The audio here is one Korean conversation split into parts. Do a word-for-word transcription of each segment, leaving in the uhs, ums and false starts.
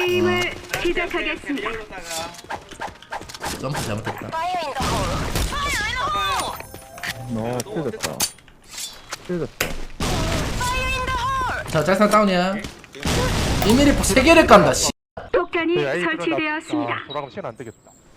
게임을 시작하겠습니다. 점프 잘못했다. 너 틀렸다. 틀렸다. 자, 짤상 다운이야. 일 밀리미터 세 개를 깐다. 씨. 폭탄이 그 A 설치되었습니다. 아, 돌아가면 시간 안 되겠다.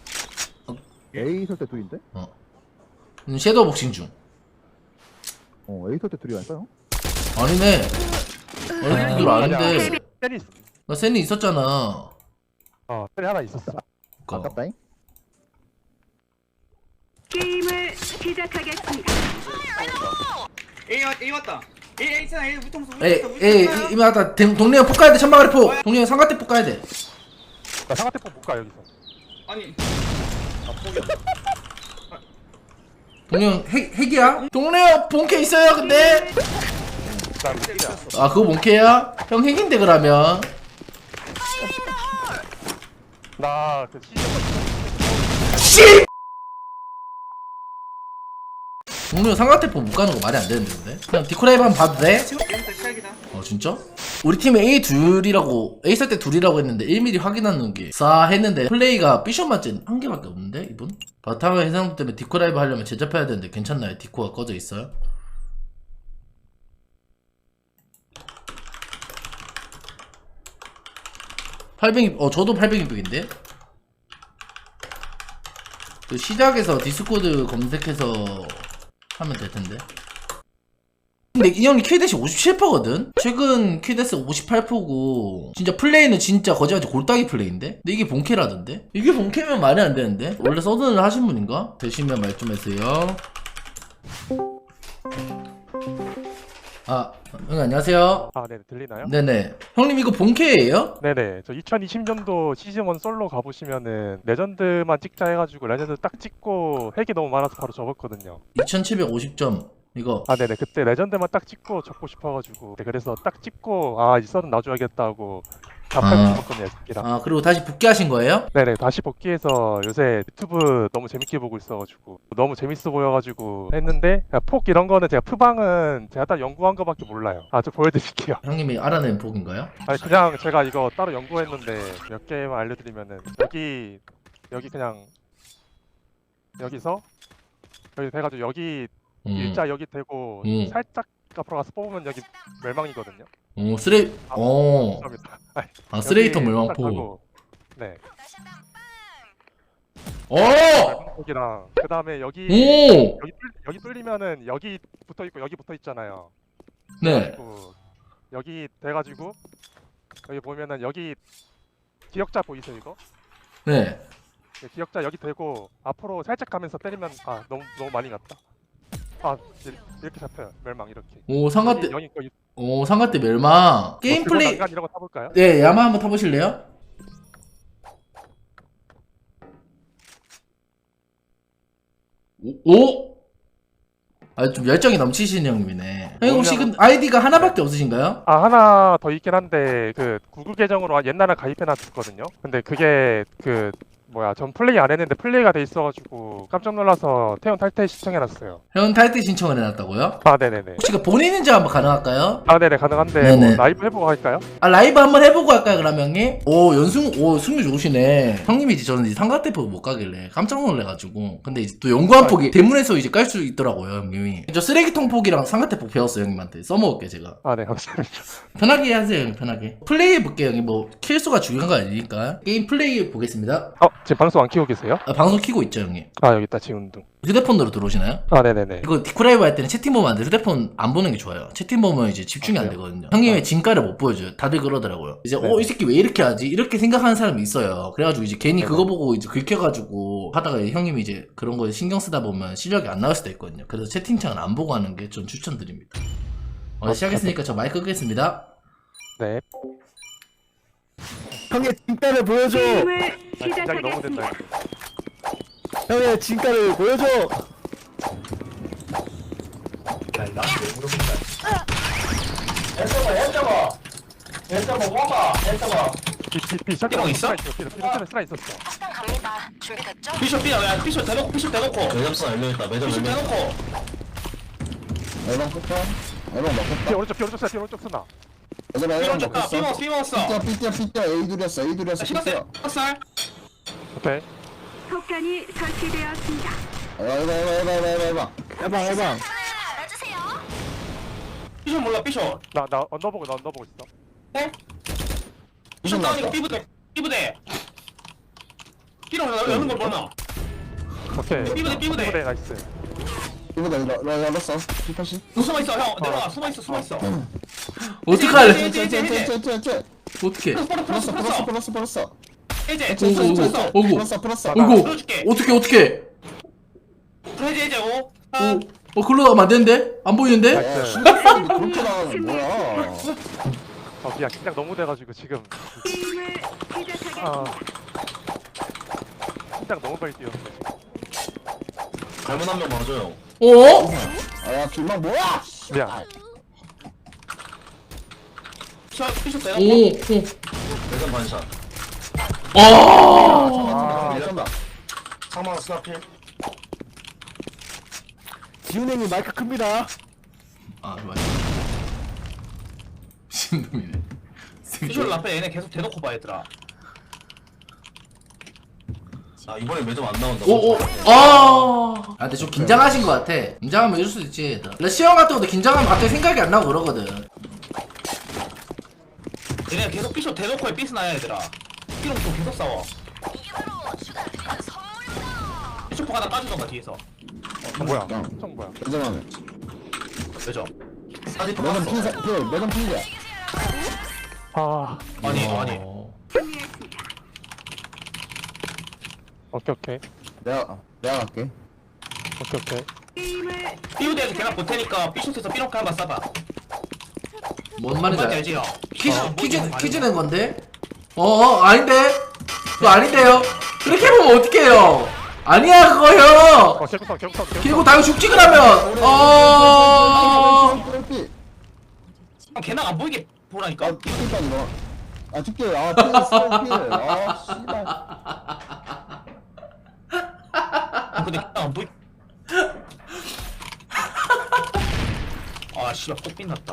A 설때 둘인데? 어. 음, 섀도우 복싱 중. 어 A 설때 둘이 아닐까요? 아니네. 어느 들 아닌데. 셀이 있- 나 센이 있었잖아. 어, 셀이 하나 있었어. 그니까. 아깝다잉. 게임을 시작하겠습니다. A 왔 A 왔다. A A 있잖아. A 무통수. 에이, 에이, 이미 왔다. 동네 형 폭 가야 돼. 천막아리 폭. 동네 형 삼각대 폭 가야 돼. 나 상가태포 못 가, 여기서. 아니. 동네 형 핵, 핵이야? 동네 형 본캐 있어요, 근데. 나 셀이야. 아, 그거 본캐야? 형 핵인데, 그러면. 나그 시즌 씨! 동네 형 삼각대 폭 못 가는 거 말이 안 되는데, 근데. 그냥 디코라이브 한번 봐도 돼? 지금부터 시작이다. 어 진짜? 우리 팀에 A 둘이라고 A 살 때 둘이라고 했는데 일 밀리미터 확인하는 게 싸 했는데 플레이가 삐션 맞지 한 개밖에 없는데 이분? 바탕화 해상 때문에 디코 라이브 하려면 제접해야 되는데 괜찮나요? 디코가 꺼져 있어요? 팔백이 어 저도 팔백이백인데? 그 시작에서 디스코드 검색해서 하면 될 텐데. 근데 이 형이 킬댓이 오십칠 퍼거든? 최근 킬댓 오십팔 퍼고 진짜 플레이는 진짜 거짓말치 골따기 플레이인데? 근데 이게 본캐라던데? 이게 본캐면 말이 안 되는데? 원래 서든을 하신 분인가? 되시면 말 좀 해주세요. 아, 형 안녕하세요. 아, 네, 들리나요? 네네. 형님 이거 본캐예요? 네네. 저 이천이십 년도 시즌 일 솔로 가보시면은 레전드만 찍자 해가지고 레전드 딱 찍고 핵이 너무 많아서 바로 접었거든요. 이천칠백오십 점 이거. 아, 네네. 그때 레전드만 딱 찍고 접고 싶어가지고 네, 그래서 딱 찍고 아, 이 썰은 놔줘야겠다 하고 다 팔고 아. 접었거든요, 새끼랑. 아 그리고 다시 복귀하신 거예요? 네네. 다시 복귀해서 요새 유튜브 너무 재밌게 보고 있어가지고 너무 재밌어 보여가지고 했는데 야, 폭 이런 거는 제가 푸방은 제가 딱 연구한 거밖에 몰라요. 아, 저 보여드릴게요. 형님이 알아낸 복인가요? 아니 그냥 제가 이거 따로 연구했는데 몇 개만 알려드리면은 여기 여기 그냥 여기서 여기 돼가지고 여기 음. 일자 여기 대고 음. 살짝 앞으로 가서 뽑으면 여기 멸망이거든요. 오 쓰레 어. 감사합니다. 아니, 아 쓰레이터 여기 멸망포. 딱 하고, 네. 오! 멸망폭이랑 그 다음에 여기 오! 여기 뚫, 여기 뚫리면은 여기 붙어 있고 여기 붙어 있잖아요. 네. 그래가지고 여기 돼가지고 여기 보면은 여기 기억자 보이세요 이거? 네. 네, 기억자 여기 대고 앞으로 살짝 가면서 때리면 아 너무 너무 많이 갔다. 아 이- 이렇게 잡혀요 멸망 이렇게. 오 상가대 여기 거 오 상가대 멸망. 게임 플레이 난간 이런 거 타볼까요? 네, 야마 한번 타보실래요? 오? 오? 아, 좀 열정이 넘치시는 형님이네. 형님 혹시 그 아이디가 하나밖에 없으신가요? 아 하나 더 있긴 한데 그 구글 계정으로 옛날에 가입해놨었거든요. 근데 그게 그 뭐야 전 플레이 안 했는데 플레이가 돼 있어가지고 깜짝 놀라서 태연 탈퇴 신청해놨어요. 형 탈퇴 신청을 해놨다고요? 아 네네네. 혹시 그 본인 인증 한번 가능할까요? 아 네네 가능한데 네네. 뭐 라이브 해보고 할까요? 아 라이브 한번 해보고 할까요 그럼 형님? 오 연승 오 승률 좋으시네. 형님이 이제 저는 이제 삼각대포 못 가길래 깜짝 놀래가지고 근데 이제 또 연구한 폭이 대문에서 이제 깔 수 있더라고요 형님이. 저 쓰레기통 폭이랑 삼각대포 배웠어요 형님한테. 써먹을게 제가. 아 네 감사합니다. 편하게 하세요 형님 편하게. 플레이 해볼게요 형님. 뭐 킬수가 중요한 거 아니니까. 게임 플레이 보겠습니다. 어 지금 방송 안 키고 계세요? 아, 방송 키고 있죠 형님. 아 여기 있다 지운동. 휴대폰으로 들어오시나요? 아 네네네. 이거 디코라이브 할 때는 채팅 보면 안 돼. 휴대폰 안 보는 게 좋아요. 채팅 보면 이제 집중이 아, 안 그래요? 되거든요. 형님의 진가를 못 보여줘요. 다들 그러더라고요. 이제 네. 어 이 새끼 왜 이렇게 하지? 이렇게 생각하는 사람이 있어요. 그래가지고 이제 괜히 네. 그거 보고 이제 긁혀가지고 하다가 이제 형님이 이제 그런 거에 신경 쓰다 보면 실력이 안 나올 수도 있거든요. 그래서 채팅창은 안 보고 하는 게 좀 추천드립니다. 어, 아, 시작했으니까 저 마이크 끄겠습니다. 네. 형의 진가를 보여줘. 게임을 아, 긴장이 너무 된다. 시작하겠습니다. 형의 진가를 보여줘. 비비 삐롱 있어? 비비 스라 있었어. 식당 갑니다. 준비됐죠? 피셔 삐 야, 피셔 대놓고 피셔 대놓고. 매점선 열려있다 매점 피셔 열려있다 대놓고. 얼방 끝다. 얼방 비 맞겠다. 오른쪽 비 오른쪽 스나 비 오른쪽 스나. 얘들아 삐 얘들아 얹었다. 삐 먹었어. 삐 먹었어. 삐뚤 삐뚤 삐뚤 A 둘이었어 A 둘이었어 신었어요. 살. 오케이. 폭탄이 설치되었습니다. 해봐 해봐 해봐 해봐 해봐 해봐 해봐 해봐 알아주세요. 삐션 몰라. 삐션. 나 나 언더보고 나 언더보고 있어. 네? 삐션 다운이고 삐부대. 삐부대. 삐로 여는 걸 보나? 오케이. 삐부대, 삐부대. 삐부대 나이스. 이거다 이거 나 열었어 피팔십 숨어 있어 형. 내려와. 숨어 있어. 숨어 있어. 어떡할래? 쟤쟤쟤쟤쟤쟤 어떻게? 플러스 플러스 플러스 플러스 플러스. 플러스 플러스 해제. 오고 오고 플러스. 오고 플러스 플러스 오고 들어줄게. 어떻게 어떻게? 해제 해제 오. 오, 어 글로 나가면 안 되는데? 안 보이는데? 야 신발이 그렇게 나가는 뭐야 어 미안 긴장 너무 돼가지고 지금 게임을 아 시작하겠습니다. 긴장 너무 빨리 뛰었는데. 잘못 한명 맞아요. 어? 아야 길막 뭐야 미안. 삐션 삐션 오, 대놓고. 오. 대전 반샷. 아, 아 밀렸다 상망 스나필. 지훈행이 마이크 큽니다 아 맞아. 신놈이네. 삐션 라페 얘네 계속 대놓고 봐 얘들아. 아 이번에 매점 안 나온다. 오, 오, 아. 아, 근데 좀 긴장하신 것 같아. 긴장하면 이럴 수도 있지. 얘들아. 원래 시험 같은 것도 긴장하면 갑자기 생각이 안 나고 그러거든. 얘네 계속 삐션 대놓고 해 삐스나야 얘들아. 삐롱 또 계속 싸워. 이게 바로 주가 드리는 선물입니다. 삐쇼포 하나 까주던가 뒤에서. 어 뭐야? 총 뭐야? 매점하네 매점. 사진 매점 핀사 필 매점 핀이야 아 아니 아니. 어. 승리했습니다. 오케이 오케이 내가 내가 갈게 오케이 오케이. 게임을 삐우대에서 걔나 볼 테니까 삐숏에서 삐롱카 한번 쏴봐. 뭔 말인지 뭔지 알 알지 형? 퀴즈, 어, 퀴즈, 뭔지 퀴즈 알지? 낸 건데? 어, 어, 아닌데? 그거 아닌데요? 그렇게 보면 어떡해요? 아니야, 그거요! 어 개구성 개구성 개구성. 그리고 당연 죽지, 그러면! 어, 형 걔나 안 보이게 보라니까. 아 피니까 이거 아 죽게 아 피했어 피아 씨발 형 근데 걔나 안 보이. 아 씨발 꼭 빛났다.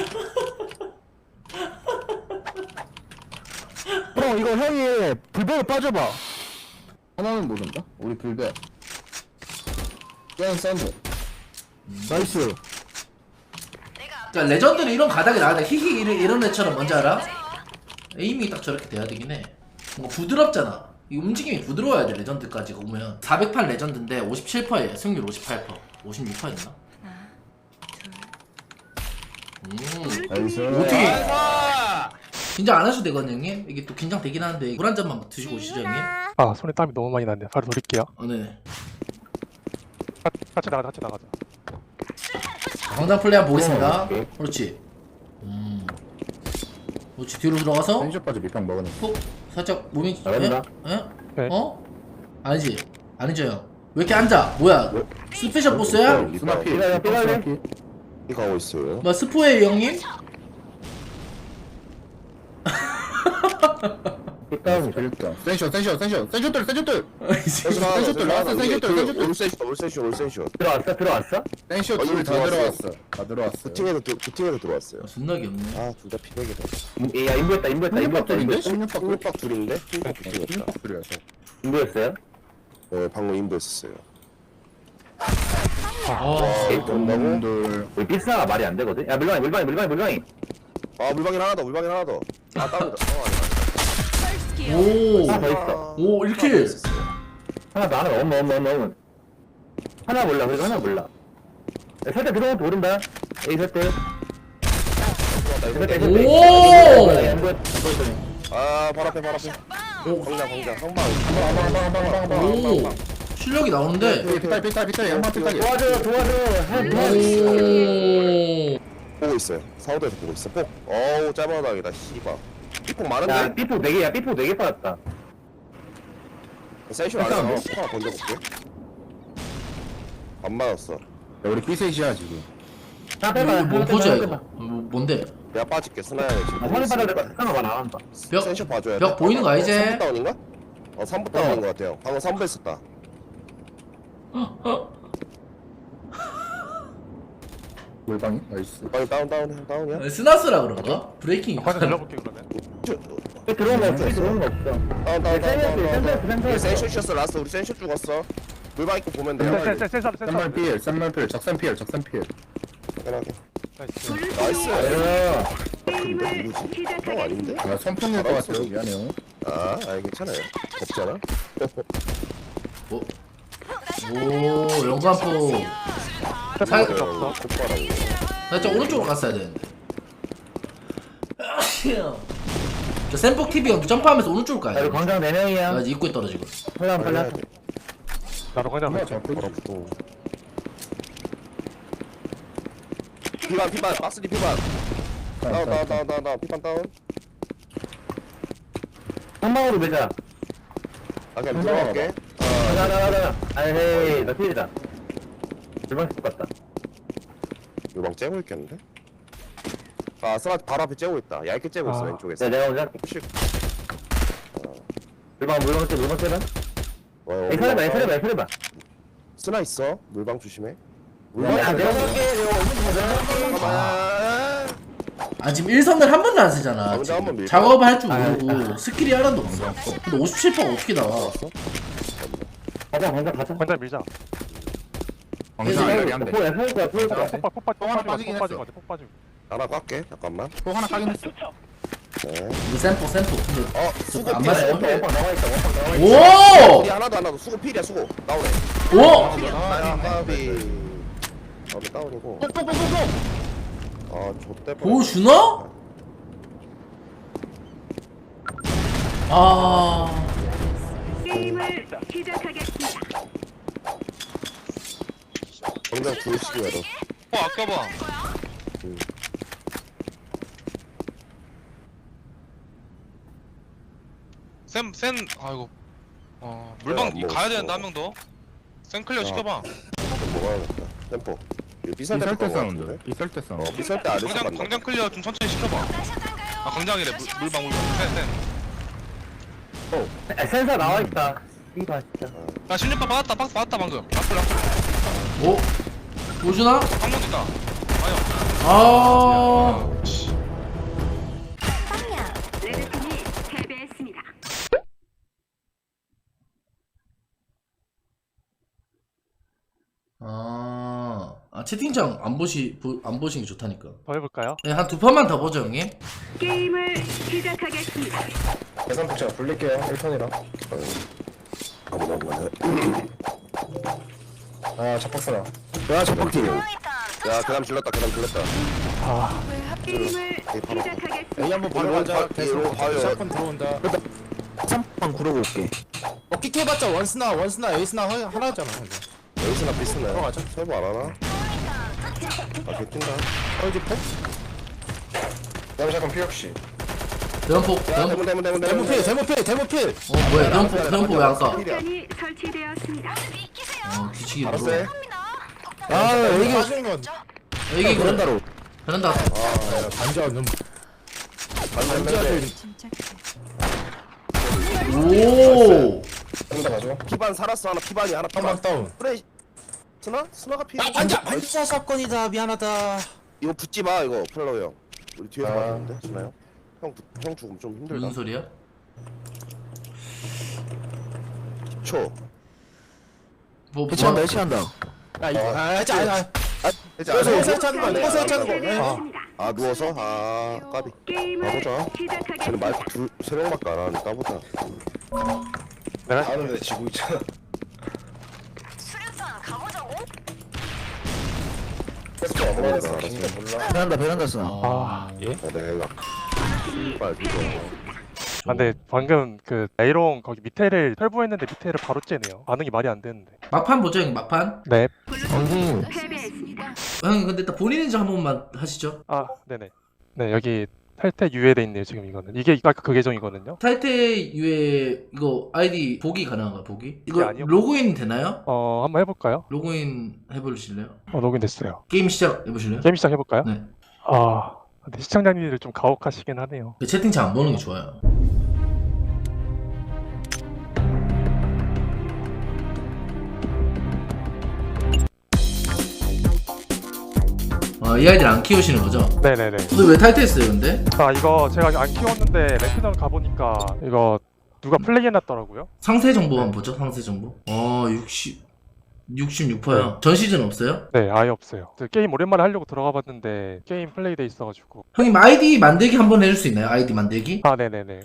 형 이거 형이 불배로 빠져봐 하나는 모른다? 우리 불배 게임 샌드 나이스 그러니까 레전드는 이런 가닥이 나가다 히히 이런, 이런 애처럼 뭔지 알아? 에임이 딱 저렇게 돼야 되긴 해. 뭔가 부드럽잖아. 이 움직임이 부드러워야 돼, 레전드까지 오면. 사백팔 레전드인데 오십칠 퍼센트예요. 승률 오십팔 퍼센트. 오십육 퍼센트였나? 음. 나이스 어떻게- 아, 긴장 안 하셔도 되거든요, 형님? 이게 또 긴장되긴 하는데 물 한 잔만 드시고 오시죠, 형님? 아 손에 땀이 너무 많이 났네. 바로 돌릴게요. 어, 네. 가- 같이 나가자 같이 나가자. 강단 플레이 한번 보겠습니다. 어, 오케이. 그렇지. 음. 그렇지, 뒤로 들어가서 펜쇼까지 밑병 먹으네 푹 살짝 몸이 잘한다. 예? 예? 네. 어? 아니지. 아니죠, 형. 왜 이렇게 앉아? 뭐야? 스페셜 보스야? 스나피 삐갈래 삐갈래 이 가고 있어요. 뭐 스포예요, 형님? 삐까면 재밌다 센쇼 센쇼 센쇼 센쇼들 센쇼들 센쇼 센쇼들 나왔어 센쇼들 센쇼들 올센쇼 올센쇼 올센쇼. 들어왔어 들어왔어? 센쇼 어, 둘 이미 다 들어왔어. 들어왔어 다 들어왔어 부팅에서 들- 부팅에서 들어왔어요. 존나 귀엽네. 아 둘 다 피백이다. 야 인부했다 인부했다 인부했다 십육 박 꿀박 둘인데 꿀박 부팅했다. 십육 박 둘이었어 인부했어요? 네 방금 인도했었어요. 아, 돈들 우리 삐스나가 말이 안 되거든? 야 물방이 물방이 물방이 물방이 아 물방울 하나 더 물방울 하나 더. 아 다른 어 아니다. 오, 하나 더 있어 오, 이렇게. 하나 더 하나 더 엄마 엄마 엄마 엄마 하나 몰라 그래도 하나 몰라 야, 살짝 들어오면 또 오른다 에이 살때 오! 아 바로 앞에 바로 앞에. 오, 광장 광장 성방. 오, 실력이 나오는데. 삐딸 삐딸 삐딸 양반 삐딸이 도와줘 도와줘 오, 보고 있어요. 사우도에서 보고 있어. 폭. 어우 짧아나기다 씨발. 삐폭 야 많은데? 삐뽀 네개야 삐뽀 네개 빠졌다 센쇼 안에서 하나 던져볼게. 안 맞았어. 우리 삐셋이야 지금 자 이거 뭔 포즈야, 이거? 뭐, 뭔데? 내가 빠질게 스나야에 지금. 아 선이 받아야 될것 같아 상관 안 한다 벽, 센쇼 봐줘야 돼. 벽 보이는 거 알지? 삼 부 다운인가? 어 삼 부 다운인 것 같아요. 방금 삼 부 했었다. 물방이 나이스. 빨리 다운 다운 다운이야? 스나스라 그런가? 브레이킹. 확인 들려볼게 그러면. 들어온 거 없어. 들어온 거 없어. 다운 다운 다운 다운 센터 다운 센터 우리 센쇼였어 라스트 우리 센쇼 죽었어 물방 입고 보면 돼 센센센센 쌈말 필, 쌈말 필, 적산 필, 적산 필. 당연하게 나이스. 나이스 아, 근데 게임을 누구지? 형 아닌데? 시작하겠습니다. 아, 선풍일 것 같아요. 미안해요. 아 아니 괜찮아요 없잖아 오, 오 영관포. 살- 필요 없어. 곧바라고 나 진짜 오른쪽으로 갔어야 되는데. 저 샘폭 티비 형 점프하면서 오른쪽으로 가야 아, 돼. 이거 광장 네 명이야. 나 입구에 떨어지고. 빨리 빨리. 해야 돼 나로 그냥 아, 할게. 저 보기. 어렵고 피반 피반 박스리 피반 다운 다운 다운 다운 다운 피반 다운 한 방으로 매자. 아 그냥 들어갈게 가자, 가자, 가자. 아이, 나 필이다. 물방 것 같다. 물방 째고 있겠는데? 아 스나 바로 앞에 째고 있다 얇게 째고 있어 아. 왼쪽에서 네, 내가 먼저 할게. 혹시 물방, 물방 때, 물방 때는? 어, 에이, 살려봐, 에이, 살려봐, 에이, 살려봐. 스나 있어 물방 조심해 아, 내가 갈게. 내가 오면 아, 아 지금 일선을 한 번도 안 쓰잖아. 아, 근데 한번 지금. 밀까? 작업을 할 줄 아, 모르고 스킬이 하나도 없어. 근데 오십칠 퍼센트가 어떻게 나와? 가자, 광장 가자. 관장 밀자. 그래서 포야, 포야, 포야, 포야. 폭발 폭발 폭 하나 빠지고 빠지긴 폭 빠지고 했어. 가자, 폭 빠지고. 하나 깎게 잠깐만 또 하나 까긴 했어. 네. 이거 샘폭 샘폭. 근데 어 수고 안 필 맞아. 수고 필 원방 나와 있다, 원방 나와 있다. 오! 우리 하나도 안 나도 수고 필이야 수고 나오네 오! 아 까비 까비 다운이고 아 좆대 보여주나? 아 게임을 시작하겠습니다. 당장 구일시기 외로 어 아까 봐. 쌤, 쌤, 아이고. 어, 물방 야, 뭐 가야 없어. 되는데 한 명 더. 쌤 클리어 야. 시켜봐. 좀 먹어야겠다 템포 이거 비쌀 때 때 거 사운드. 같은데? 비쌀 때 사운드. 어 비쌀 때안 했어 광장, 만나 광장 클리어 좀 천천히 시켜봐. 아, 광장이래. 물, 물방, 물방. 쌤, 쌤. 아, 센서 나와 있다. 이봐 진짜. 나 실력파 받았다. 박스 받았다, 방금. 라플, 라플. 오? 보여주나? 한번 있다. 아니야. 아 레드팀이 패배했습니다. 아, 아 채팅창 안 보시 보, 안 보시는 게 좋다니까. 더 해볼까요? 네, 한 두 판만 더 보죠 형님. 게임을 시작하겠습니다. 계산 복제가 불릴게요. 일 턴이라. 아무나 아무나 아, 잡박사다. 야 첫박팀 야 그다음 질렀다 그다음 질렀다 아, 게임을 바로. 시작하겠습니다. A 한번 바로 가자. A로 봐요. 샷건 들어온다. 삼판 구르고 올게. 어, 킥해봤자 원스나, 원스나, 에이스나 하- 하나잖아. 이거. 여기서나 비스네 들어가자. 설부 안 하나? 아 개낀다 어, 이제 폭? 그다음에 샷건 피혁씨. 대원폭 야 대원폭. 대문 대문 대문 데모 필, 데모 필, 데모 필. 어 뭐야 대원폭 대원폭 왜 안 까? 폭탄이 설치되었습니다. 어 뒤치기 알았어 뭐야? 해. 아, 이게 하시는 건. 여기 그런 그런다로. 베란다. 아, 반자 좀. 반대 오. 한다 가죠. 피반 살았어 하나 피반이 하나 피반 한방 다운. 그래 스나? 스나가 피 아, 반자, 반자 사건이다. 미안하다. 이거 붙지 마 이거 플로우 형 우리 뒤에서 아. 맞았는데 스나 형? 형, 붙- 형 죽으면 좀 힘들다 무슨 소리야? 초 뭐 해치한다, 뭐? 해치한다. 아, 이거. 아, 해치, 아니, 아니. 이제 누워서 안 해. 해치하는 거야, 누워서 해치하는 거야. 설치되었습니다. 아 누워서? 아 까비 게임을 가보자 쟤는 마이크 시작하겠습니다. 둘, 세 명밖에 안 하니까 보자 내가 하는데 지고 있잖아. 수류탄 가보자고? 계속 안 몰라. 몰라. 베란다, 베란다 써. 아, 예? 아 내가 빨리 이거 아, 근데 방금 그 에이롱 거기 밑에를 털보했는데 밑에를 바로 째네요. 반응이 말이 안 되는데. 막판 보죠 형님 막판. 네. 블루팀이 패배했습니다. 형 근데 일단 본인 인증 한 번만 하시죠. 아, 네네. 네, 여기 탈퇴 유예돼 있네요, 지금 이거는. 이게 아까 그 계정이거든요. 탈퇴 유에 이거 아이디 보기 가능한가 보기? 이거 아니요. 로그인 되나요? 어, 한번 해볼까요? 로그인 해보실래요? 어, 로그인 됐어요. 게임 시작 해보실래요? 게임 시작 해볼까요? 네. 아, 근데 시청자님들 좀 가혹하시긴 하네요. 그 채팅창 안 보는 게 좋아요. 와 아, 이 아이들 안 키우시는 거죠? 네네네. 근데 왜 탈퇴했어요 근데? 아 이거 제가 안 키웠는데 랭크전 가보니까 이거 누가 플레이해놨더라고요. 상세 정보만 보죠 상세 정보. 어 육십 육십육 퍼센트요. 전 시즌 없어요? 네 아예 없어요. 그 게임 오랜만에 하려고 들어가봤는데 게임 플레이돼 있어가지고. 형님 아이디 만들기 한번 해줄 수 있나요? 아이디 만들기? 아 네네네.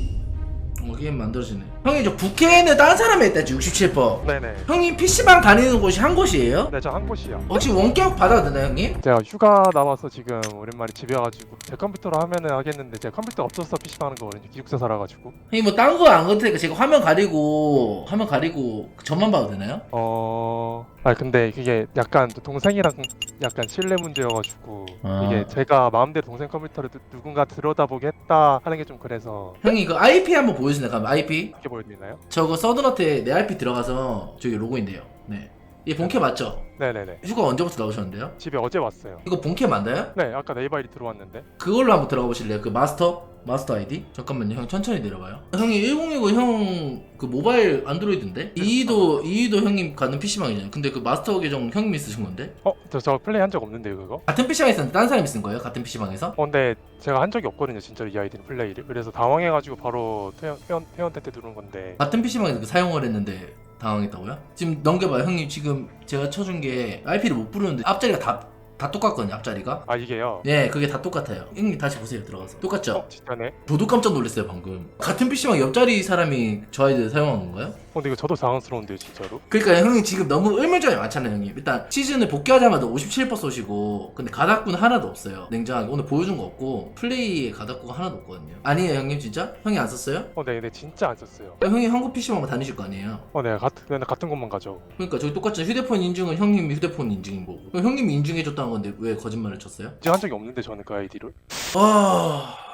어, 게임 만들어지네. 형님 저 부캐는 다른 사람이 했다지 육십칠 퍼센트. 네네. 형님 피시방 다니는 곳이 한 곳이에요? 네 저 한 곳이요. 혹시 원격 받아도 되나요 형님? 제가 휴가 나와서 지금 오랜만에 집에 와가지고 제 컴퓨터로 하면은 하겠는데 제 컴퓨터 없어서 피씨 하는 거거든요. 기숙사 살아가지고. 형님 뭐 딴 거 안 그럴 테니까 제가 화면 가리고 화면 가리고 저만 봐도 되나요? 어... 아 근데 그게 약간 또 동생이랑 약간 신뢰 문제여가지고 아. 이게 제가 마음대로 동생 컴퓨터를 누- 누군가 들여다보게 했다 하는 게 좀 그래서. 형님 그 아이피 한번 보여주세요. 그럼 아이피 어떻게 보여드리나요? 저거 서든어택 내 아이피 들어가서 저기 로그인돼요. 네. 이게 본캐 맞죠? 네네네. 휴가 언제부터 나오셨는데요? 집에 어제 왔어요. 이거 본캐 맞나요? 네 아까 네이버 아이디 들어왔는데. 그걸로 한번 들어가 보실래요? 그 마스터? 마스터 아이디? 잠깐만요. 형 천천히 내려봐요. 형이 천이십 형 그 모바일 안드로이드인데? 이이도 이이도 형님 가는 피시방이잖아요. 근데 그 마스터 계정 형님이 쓰신 건데? 어? 저, 저 플레이 한 적 없는데요 그거? 같은 피시방에 있었는데 딴 사람이 쓴 거예요? 같은 피시방에서? 어 근데 제가 한 적이 없거든요 진짜로 이 아이디는 플레이를. 그래서 당황해가지고 바로 퇴원, 퇴원, 퇴원 때 누른 건데. 같은 피시방에서 그 사용을 했는데 당황했다고요? 지금 넘겨봐요. 형님 지금 제가 쳐준 게 아이피를 못 부르는데 앞자리가 다, 다 똑같거든요. 앞자리가. 아 이게요? 네, 그게 다 똑같아요. 형님 다시 보세요. 들어가서. 똑같죠? 어 진짜네? 저도 깜짝 놀랐어요 방금. 같은 피시방 옆자리 사람이 저 아이디를 사용한 건가요? 어 근데 이거 저도 당황스러운데요 진짜로? 그러니까 형님 지금 너무 의문점이 많잖아요 형님. 일단 시즌을 복귀하자마자 오십칠 퍼센트 쏘시고 근데 가닥구는 하나도 없어요. 냉정하게 오늘 보여준 거 없고 플레이에 가닥구가 하나도 없거든요. 아니에요 형님 진짜? 형이 안 썼어요? 어 네 근데 진짜 안 썼어요. 형이 한국 피시방 다니실 거 아니에요? 어 네 같은, 맨날 같은 곳만 가죠. 그러니까 저기 똑같죠. 휴대폰 인증은 형님이 휴대폰 인증인 거고 그럼 형님이 인증해줬다는 건데 왜 거짓말을 쳤어요? 인증한 적이 없는데 저는 그 아이디를. 아...